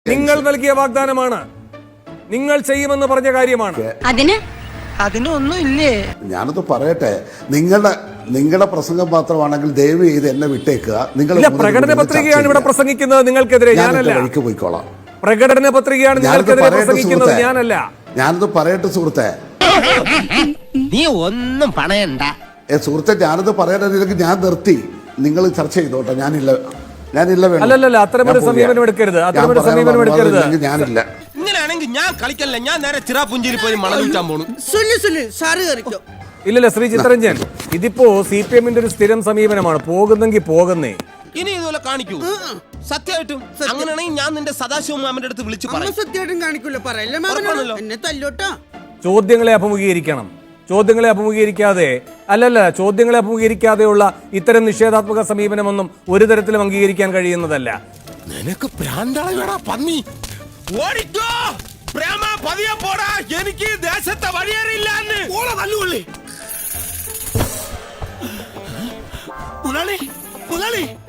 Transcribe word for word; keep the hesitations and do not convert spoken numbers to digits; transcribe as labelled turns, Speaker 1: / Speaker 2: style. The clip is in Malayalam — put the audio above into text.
Speaker 1: നിങ്ങൾ നൽകിയ വാഗ്ദാനമാണ്, നിങ്ങൾ ചെയ്യുമെന്ന് പറഞ്ഞ കാര്യമാണ്.
Speaker 2: അതിന് അതിനൊന്നും ഇല്ലേ?
Speaker 3: ഞാനത് പറയട്ടെ, നിങ്ങളുടെ നിങ്ങളുടെ പ്രസംഗം മാത്രമാണെങ്കിൽ ദയവ് ചെയ്ത് എന്നെ വിട്ടേക്കുക. നിങ്ങൾ
Speaker 1: പ്രകടന പത്രികയാണ് ഇവിടെ പ്രസംഗിക്കുന്നത് നിങ്ങൾക്കെതിരെ, ഞാനല്ല.
Speaker 3: വഴിക്ക് പോയിക്കോളാം.
Speaker 1: പ്രകടന പത്രികയാണ് നിങ്ങൾക്കെതിരെ പ്രസംഗിക്കുന്നത്, ഞാനല്ല.
Speaker 3: ഞാനത് പറയട്ടെ സുഹൃത്തെ,
Speaker 4: നീ ഒന്നും പണയണ്ട.
Speaker 3: ഏ സുഹൃത്തെ, ഞാനത് പറയാനില്ലെങ്കിൽ ഞാൻ നിർത്തി. നിങ്ങൾ ചർച്ച ചെയ്തോട്ടെ, ഞാനില്ല ഞാനില്ല
Speaker 1: അല്ലല്ല, അത്തരമൊരു സമീപനം എടുക്കരുത്, അത്തരമൊരു സമീപനം എടുക്കരുത്.
Speaker 3: ഞാനില്ല.
Speaker 4: ഇങ്ങനെയാണെങ്കിൽ ഞാൻ കളിക്കല്ല, ഞാൻ നേരെ ചിറാപുഞ്ചിരി പോയി മണലൂറ്റാൻ പോണു.
Speaker 1: ഇല്ലല്ല ശ്രീ ചിത്തരഞ്ജൻ, ഇതിപ്പോ സി പി എമ്മിന്റെ ഒരു സ്ഥിരം സമീപനമാണ്, പോകുന്നെങ്കിൽ പോകുന്നേ.
Speaker 4: ഇനി ഇതുപോലെ കാണിക്കൂ സത്യമായിട്ടും. അങ്ങനെയാണെങ്കിൽ ഞാൻ നിന്റെ സദാശിവ മാമന്റെ അടുത്ത് വിളിച്ചു പറയല്ലോ.
Speaker 1: ചോദ്യങ്ങളെ അഭിമുഖീകരിക്കണം. ചോദ്യങ്ങളെ അഭിമുഖീകരിക്കാതെ അല്ലല്ല ചോദ്യങ്ങളെ അഭിമുഖീകരിക്കാതെയുള്ള ഇത്തരം നിഷേധാത്മക സമീപനമൊന്നും ഒരു തരത്തിലും അംഗീകരിക്കാൻ കഴിയുന്നതല്ല.
Speaker 4: നിനക്ക് ഭ്രാന്താളാ പന്നി. ഓടിക്കോ പ്രേമ, പതിയെ പോടാ, എനിക്ക് ദേശത്തെ വഴിയേറിയില്ലാന്ന്. മുതലാളി മുതലാളി